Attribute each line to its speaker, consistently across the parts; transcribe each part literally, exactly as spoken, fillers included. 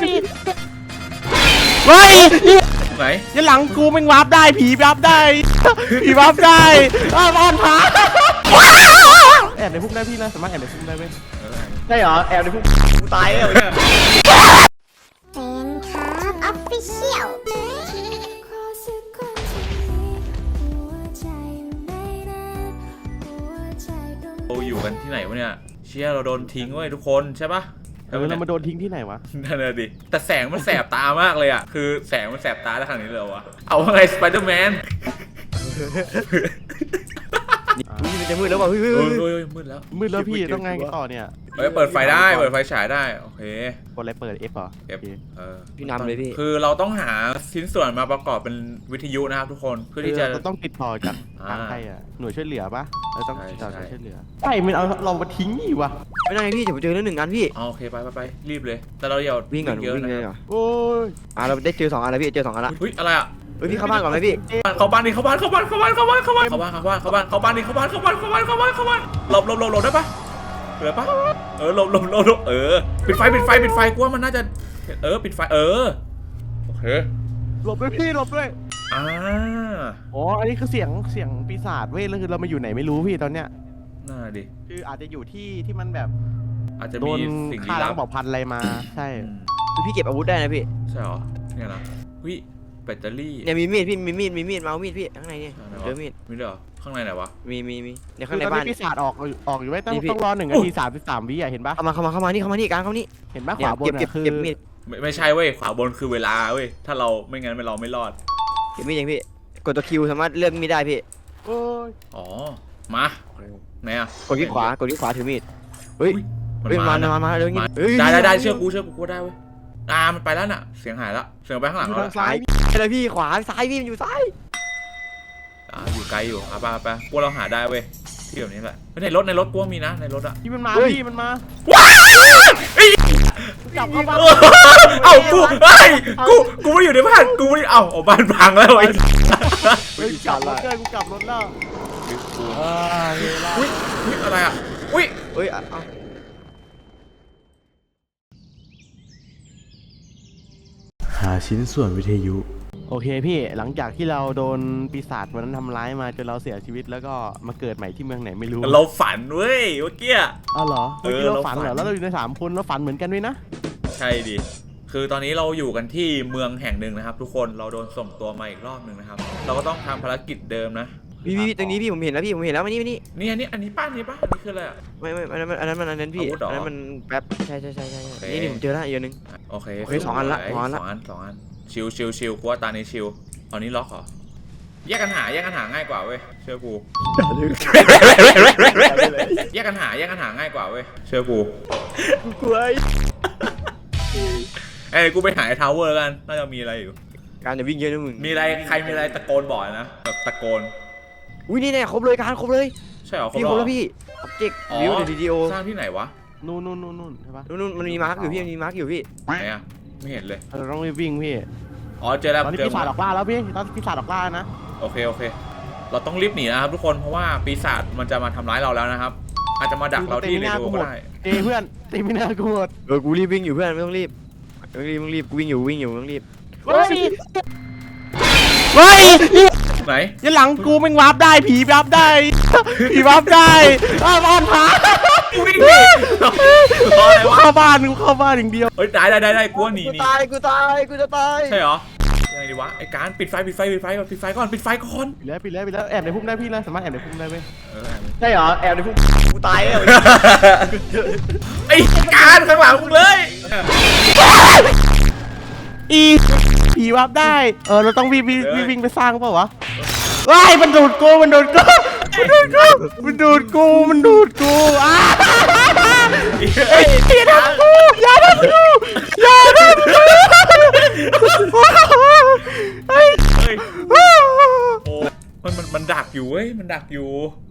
Speaker 1: เฮ้ย
Speaker 2: ไหน
Speaker 1: ยันหลังกูแม่งวาร์ปได้ผีวาร์ปได้ผีวาร์ปได้อ้าวบอลผาแอบในพุ่มได้พี่นะสามารถแอบในพุ่มได้ไหมใช่เหรอแอบในพุ่มกูตายแล้วเนี่ย
Speaker 3: เป็นครับออฟฟิเชียล
Speaker 2: เราอยู่กันที่ไหนวะเนี่ยเชี่ยเราโดนทิ้งไว้ทุกคนใช่ปะ
Speaker 1: เออเรามาโดนทิ้งที่ไหนวะ
Speaker 2: นั่นแหละดิแต่แสงมันแสบตามากเลยอ่ะคือแสงมันแสบตาได้ขนาดนี้เลยวะเอาไงสไปเดอร์แมน
Speaker 4: นี่มันจะมืดแล้วว่ะเฮ้ย
Speaker 2: โอ้ยโอ้ยมืดแล้ว
Speaker 1: มืดแล้วพี่ต้องไงกันต่อเนี่ย
Speaker 2: เฮ้ยเปิดไฟได้เปิดไฟฉายได้โอเค
Speaker 1: กดอะไรเปิด F เหรอ
Speaker 2: F เออ
Speaker 4: พี่นำเลยพี่
Speaker 2: คือเราต้องหาชิ้นส่วนมาประกอบเป็นวิทยุนะครับทุกคนเพื่อที่จะ
Speaker 1: เราต้องติดต่อจาก
Speaker 2: อ่า
Speaker 1: ทางใครอ่ะหน่วยช่วยเหลือปะเราต้องติดต่อห
Speaker 2: ใช่
Speaker 1: น่วย
Speaker 2: ใช่
Speaker 1: ช่วยเหลือใช่มันเอาเรามาทิ้งอีกวะ
Speaker 4: ไม่ได้พี่เดี๋ยวผมเจอเรื่องหนึ่งอันพี่
Speaker 2: เอาโอเคไปไปไปรีบเลย แต่เราอย่า
Speaker 4: วิ่งก่อน
Speaker 2: เยอะ
Speaker 4: วิ่ง
Speaker 2: นะ
Speaker 4: เลยก่อน
Speaker 1: โอ้ย
Speaker 4: อ่ะเราได้เจอสองอันแล้วพี่เจอสองอันละ
Speaker 2: เฮ้ยอะไรอ่ะ
Speaker 4: เฮ้ยพี่เข้าบ้านก่อนไหมพี่
Speaker 2: เข้าบ้านดิเข้าบ้านเข้าบ้านเข้าบ้านเข้าบ้านเข้าบ้านเข้าบ้านเข้าบ้านเข้าบ้านเข้าบ้านดิเข้าบ้านเข้าบ้านเข้าบ้านเข้าบ้านเข้าบ้านหลบหลบหลบหลบได้ปะเหลือปะเออหลบหลบหลบหลบเออปิดไฟปิดไฟปิดไฟกูว่ามันน่าจะเออปิดไฟเออโอเค
Speaker 1: หลบด้วยพี่หลบด้วย
Speaker 2: อ่า
Speaker 1: อ๋ออันนี้คือเสียงเสียงปีศาจเว้ยแล้วคือเรามาอยู่ไหนไม่รู้พี่ตอนเนี้ย
Speaker 2: น่าดิ
Speaker 1: คืออาจจะอยู่ที่ที่มันแบบ
Speaker 2: อาจจะ
Speaker 1: โด
Speaker 2: มี
Speaker 1: น
Speaker 2: สิ่ง
Speaker 1: ฆ่า
Speaker 2: ลี้
Speaker 1: แล้
Speaker 2: ลั
Speaker 1: ว
Speaker 2: บ
Speaker 1: ก็บอกพันอะไรมาใช่
Speaker 2: อืม
Speaker 4: พี่เก็บอาวุธได้นะพี่
Speaker 2: ใช่เหรอเนี่ยนะวิแบตเตอรี่
Speaker 4: เนี่ยมีมีดพี่มีมีดมีมีดมาเอามีดพี่ข้างในเนี่ย
Speaker 2: ไหน
Speaker 4: เจ
Speaker 2: วะ
Speaker 4: อมีด
Speaker 2: มีด้วยเหรอข้างในไหนวะ
Speaker 4: มีมีมีเนี่ย
Speaker 1: คื
Speaker 4: ข้าง
Speaker 1: อ
Speaker 4: ใน
Speaker 1: ตอน
Speaker 4: บ้าน
Speaker 1: นี้ปีศาจออกออกอยู่ไว้ต้อง
Speaker 4: นี่พี่
Speaker 1: ต้องรอหนึ่งนาทีสามสิบสามวิอ่ะเห็นปะ
Speaker 4: เข้ามาเข้ามาเข้ามานี่เข้ามานี่กลางเข้ามานี่
Speaker 1: เห็นปะข
Speaker 4: เนี่ยว
Speaker 1: าบน
Speaker 4: เก็บเก็บ
Speaker 1: อ่ะคือ
Speaker 4: เก็บมีด
Speaker 2: ไม่ไม่ใช่เว้ยขวาบนคือเวลาเว้ยถ้าเราไม่งั้นเราไม่รอด
Speaker 4: เก็บมีดยังพี่กดตัวคิวสามารถเลือกมีดได้พี่
Speaker 1: โอ้ย
Speaker 2: อ๋อมาไหนอ่ะ
Speaker 4: กดที่ขวากดที่ขวาถือมีดเฮ้ย
Speaker 2: มัน
Speaker 4: เฮ้ย
Speaker 2: มา
Speaker 4: มา
Speaker 2: นะ
Speaker 4: มามาเร็วงี้
Speaker 2: มา
Speaker 4: เฮ้ย
Speaker 2: ได้ได้ได้เชื่อกูเชื่อกูกูได้เว้ยอ่ามันไปแล้วน่ะเสียงหายแล้วเสียงไปข้างหลัง
Speaker 1: อยู่
Speaker 2: แล้ว
Speaker 1: ทางซ้าย
Speaker 4: อะไรพี่ขวาซ้ายพี่มันอยู่ซ้าย
Speaker 2: อ่าอยู่ไกลอยู่อ่ะไปไปกูเราหาได้เว้ยที่แบบนี้แหละในรถในรถกูมีนะในรถอ่ะ
Speaker 1: ที่มันมา
Speaker 4: เฮ้ย
Speaker 1: พี่มันมา
Speaker 2: ว้าว
Speaker 1: กลับเข้าบ้าน
Speaker 2: เอ้ากูเฮ้ยกูกูไม่อยู่ในบ้านกูไม่เอ้าเอาบ้านพังแล้วไอ้
Speaker 1: เฮ้ยกลับรถเลยกูกลับรถแล้วอ่าเวลา
Speaker 2: อุ้ยอุ้ยอะไรอ่ะอุ้ย
Speaker 4: เฮ้ยอ่ะเอา
Speaker 1: หาชิ้นส่วนวิทยุโอเคพี่หลังจากที่เราโดนปีศาจวันนั้นทำร้ายมาจนเราเสียชีวิตแล้วก็มาเกิดใหม่ที่เมืองไหนไม่รู้
Speaker 2: เราฝันเว้ยเมื่อกี้
Speaker 1: อ้าวเหรอเมื่อกี้
Speaker 2: เออ
Speaker 1: เรา
Speaker 2: เราฝั
Speaker 1: ฝัน
Speaker 2: น
Speaker 1: เหรอแล้วเราอยู่ในสามคนเราฝันเหมือนกันด้วยนะ
Speaker 2: ใช่ดิคือตอนนี้เราอยู่กันที่เมืองแห่งหนึ่งนะครับ ทุกคนเราโดนส่งตัวมาอีกรอบหนึ่งนะครับ เราก็ต้องทำภารกิจเดิมนะ
Speaker 4: พี่พี่ตรงนี้พี่ผมเห็นแล้วพี่ผมเห็นแล้วมานี่มานี่
Speaker 2: นี่อันนี้อันนี้ป้านี่ป้าอันนี้คืออะไรอ่ะ
Speaker 4: ไม่ไม่อันนั้นมันอันนั้นมันอันนั้นพี่
Speaker 2: อาวุธเหรอ
Speaker 4: อันนั้นมันแป๊บใช่ใช่ใช่ใช่
Speaker 2: โอเค
Speaker 4: นี่นี่ผมเจอแล้วอีกอันนึง
Speaker 2: โอเค
Speaker 4: โอเคสองอันละ
Speaker 2: ส
Speaker 4: สองอันละ
Speaker 2: องอันสองอันชิวชิวชิวกูว่าตานี้ชิวเอานี้ล็อกเหรอแยกกันหาแยกกันหาง่ายกว่าเว้ยเชื่อกูแยกกันหาแยกกันหาง่ายกว่าเว้ยเชื่อกู
Speaker 4: กลัว
Speaker 2: เอ้ยกูไปหาไอ้ทาวเวอร์กันน่าจะมีอะไรอยู่
Speaker 4: การจะวิ่งเยอะนะมึง
Speaker 2: มีอะไรใครมีอะไรตะโกนบอกนะแบบตะโกน
Speaker 4: อุ้ยนี่แน่ครบเลยการครบเลย
Speaker 2: ใช่เหรอ
Speaker 4: พี่ครบแล้วพี่ออบเจกต์
Speaker 2: อ๋อ
Speaker 4: วิวในวิดีโอ
Speaker 2: สร้างที่ไหนวะ
Speaker 1: นู่นนู่นนู่นนู่นใช่ปะ
Speaker 4: นู่นนู่นมันมีมาร์กอยู่พี่มันมีมาร์กอยู่พี่
Speaker 2: ไหนอะไม่เห็นเลย
Speaker 1: เราต้องรีบวิ่งพี่
Speaker 2: อ๋อเจอแล้ว
Speaker 1: ตอนนี้
Speaker 2: เจอ
Speaker 1: ปีศาจออกล่าแล้วพี่ตอนปีศาจออกล่านะ
Speaker 2: โอเคโอเค เราต้องรีบหนีนะครับทุกคนเพราะว่าปีศาจมันจะมาทำร้ายเราแล้วนะครับ อาจจะมาดักเราที่เรดิโอก็ได้
Speaker 1: เจเพื่อนตีไม่น่ากูหมด
Speaker 4: เออกูรีบวิ่งอยู่เพื่อนไม่ต้องรีบไม่ต้องรีบไม่ต้องรีบกูวิ่งอยู่วิ่งอยู่ไม่ต้องรีบ
Speaker 1: เฮ้ยเฮ้ย
Speaker 2: ไหน
Speaker 1: ยันหลังกูแม่งวาร์ปได้ผีวาร์ปได้ผีวาร์ปได้อ้าวบอลผา
Speaker 2: วิ่งหนีรออะไรวะ
Speaker 1: เข้าบ้านกูเข้าบ้านอย่างเดียว
Speaker 2: เฮ้ยได้ได้ได้ได้กูว่าหนี
Speaker 4: กู
Speaker 2: หนี
Speaker 4: ตายกูตายกูจะตาย
Speaker 2: ใช่เหรอยังไงดีวะไอ้การปิดไฟปิดไฟปิดไฟก่อนปิดไฟก่อนปิดไฟก่อน
Speaker 1: ปิดแล้วปิดแล้วปิดแล้วแอบในพุ่มได้พี่นะสามารถแอบในพุ่มได้ไหม
Speaker 2: เออ
Speaker 4: ใช่เหรอแอบในพุ่มกูตายแล้ว
Speaker 2: ไอ้การข้างหลังมึงเลย
Speaker 1: อีผีวาร์ปได้เออเราต้องวิ่งวิ่งวิ่งวิ่งไปสร้างเปล่าวะว้ายมันดูดกูมันดูดกูมันดูดกูมันดูดกูมันดูดกูอ้าเฮ้ยอย่าทำกูอย่าทำกูอย่าทำกูเฮ้ย
Speaker 2: เฮ้ยโอ้มันมันมันดักอยู่เว้ยมันดักอยู่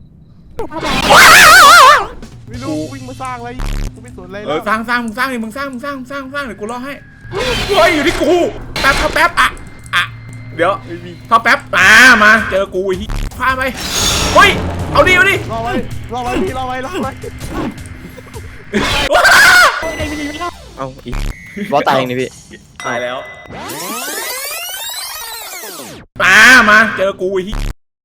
Speaker 1: ไม่รู้วิ่งมาสร้างอะไรกูไม่สนอะไร
Speaker 2: เอ
Speaker 1: แล้
Speaker 2: อ
Speaker 1: ว
Speaker 2: สร้างสร้างมึงสร้างดิมึงสร้างมึงสร้างมึงสร้างมึงสร้างเดี๋ยวกูรอให้เฮ้ยอยู่ที่กูแป๊บครับแป๊บอ่ะอ่ะเดี๋ยวเข้าแป๊บอ่ามาเจอกูอีกพาไปเฮ้ยเอาดิเอาดิ
Speaker 1: รอไว้รอไว้พี่รอไว้รอไว้
Speaker 4: เอาอีกบอสตายเองนี่พี่
Speaker 2: ตายแล้วมามาเจอกูไอ้ที่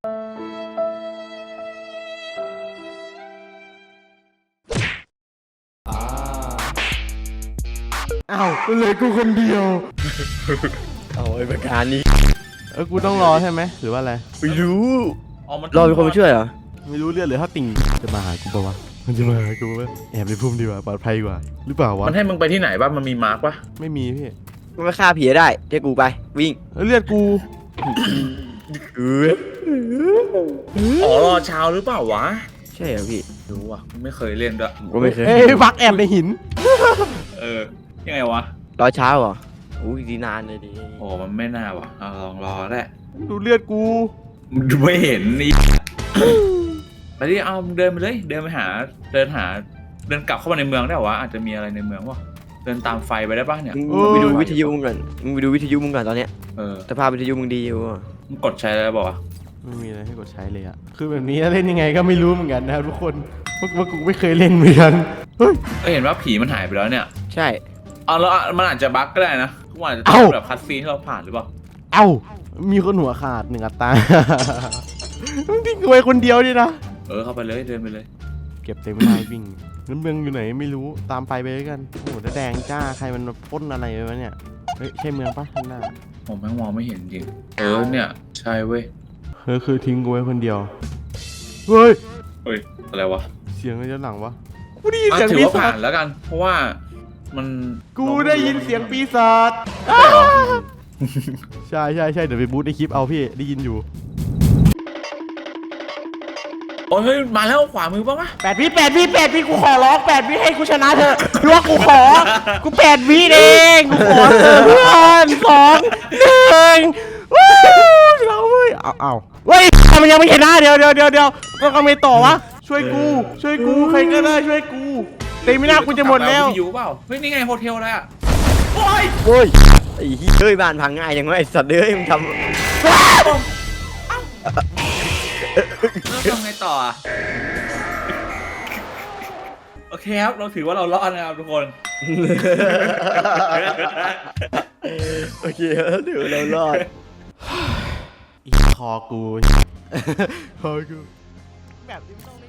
Speaker 1: อ้าวเหลือกูคนเดียว
Speaker 4: เอาไอ้ประการนี้
Speaker 1: เออกูต้องรอใช่ไหมหรือว่าอะไร
Speaker 4: ไม่รู้
Speaker 2: อ๋อมัน
Speaker 4: รอมีคนมาช่วยเหรอ
Speaker 1: ไม่รู้เรื่องหรือถ้าติ่งจะมาหากูปะวะมันจะมาหากูปะแอบในพุ่มดีกว่าปลอดภัยกว่าหรือเปล่าวะ
Speaker 2: มันให้มึงไปที่ไหนบ้างมันมีมาร์กปะ
Speaker 1: ไม่มีพี่
Speaker 4: มันไม่ฆ่าผีได้เรียกกูไปวิ่ง
Speaker 1: เออเลือดกู
Speaker 4: เออ
Speaker 2: อ๋อรอเช้าหรือเปล่าวะ
Speaker 4: ใช่เหรอพี่
Speaker 2: รู้ว่ะไม่เคยเล่นด้วย
Speaker 4: ผมก็ไม่เคย
Speaker 1: เอ้ยบักแอบในหิน
Speaker 2: เออยังไงวะ
Speaker 4: รอเช้าเหรออุ้ยดีนานเลยดิ
Speaker 2: โอ้มันไม่น่าว่ะเอาลองรอแหละ
Speaker 1: ดูเลือดกู
Speaker 2: มันไม่เห็นนี่ ไปดิเอาเดินไปเลยเดินไปหาเดินหาเดินกลับเข้ามาในเมืองได้เหรอวะอาจจะมีอะไรในเมืองวะเดินตามไฟไปได้ป่ะเนี่ย
Speaker 4: มึงไปดูวิทยุมึงก่อนมึงไปดูวิทยุมึงก่อนตอนเนี้ย
Speaker 2: เออ
Speaker 4: สภาพวิทยุมึงดีอยู่อะ
Speaker 2: มึงกดใช้ได้ป่าวะ
Speaker 1: ไม่มีอะไรให้กดใช้เลยอะคือแบบนี้เล่นยังไงก็ไม่รู้เหมือนกันนะครับทุกคนพวกว่ากูไม่เคยเล่นเหมือนกันเฮ้ย
Speaker 2: ก็เห็นว่าผีมันหายไปแล้วเนี่ย
Speaker 4: ใช่
Speaker 2: เอาแล้วมันอาจจะบั๊กก็ได้นะมันอาจจะ
Speaker 1: เอ้า
Speaker 2: แบบคัดซีนที่เราผ่านหรือเปล่า
Speaker 1: เอ้ามีคนหัวขาดหนึ่งอัตรา มึงทิ้งกูไว้คนเดียวดินะ
Speaker 2: เออเข้าไปเลยเดินไปเลย
Speaker 1: เก็บเต็มไม่ได้วิ่งน้ำเมืองอยู่ไหนไม่รู้ตามไปไปด้วยกันโอ้โหแล้วแดงจ้าใครมันมาปล้นอะไรวะเนี่ยเฮ้ยใช่เมืองปะข้างหน้า
Speaker 2: ผมแม่งมองไม่เห็นจริงเออเนี่ยใช่เว้ย
Speaker 1: เฮ้ยคือทิ้งกูไว้คนเดียวเฮ้ย
Speaker 2: เฮ้ยอะไรวะ
Speaker 1: เสียงอะไรด้านหลังวะกูได้ยิน
Speaker 2: อ่ะ
Speaker 1: เสียง
Speaker 2: ถือ
Speaker 1: ปี
Speaker 2: ว่า
Speaker 1: ศา
Speaker 2: ผ่า
Speaker 1: จ
Speaker 2: นแล้วกัน เพราะว่ามัน
Speaker 1: กูได้ยินเสียงปีศาจใช่ใช่ใช่เดี๋ยวไปบูทในคลิปเอาพี่ได้ยินอยู่
Speaker 2: โอ้ยเฮ้ยมาแล้วขวามือป่ะวะ
Speaker 1: แปดวิแปดวิแปดวิกูขอร้องแปดวิให้กูชนะเถอะหรือว่ากูขอกูแปดวิเองกูขอเถอะเพื่อนสองหนึ่งวู้ชนะเว้ยเอาเอาเว้ยมันยังไม่ชนะเดี๋ยวเดี๋ยวเดี๋ยวเดี๋ยวต้องทำไงต่อวะช่วยกูช่วยกูใครก็ได้ช่วยกูเต็มไม่น่ากูจะหมดแล้ว
Speaker 2: อยู่เปล่าเฮ้ยนี่ไงโฮเทลอะไรอ่ะโอ้ย
Speaker 4: โอ้ยไอ้เหี้ยเฮ้ยบ้านพังง่ายจังวะไอ้สัตว์เอ้ยมึงท
Speaker 2: แล้วทำไงต่ออ่ะโอเคครับเราถือว่าเรารอดนะครับทุกคน
Speaker 4: ำโอเคเดี๋ยวเรารอด
Speaker 1: อีคอกูคอกูแบบนี้ไม่ต้อง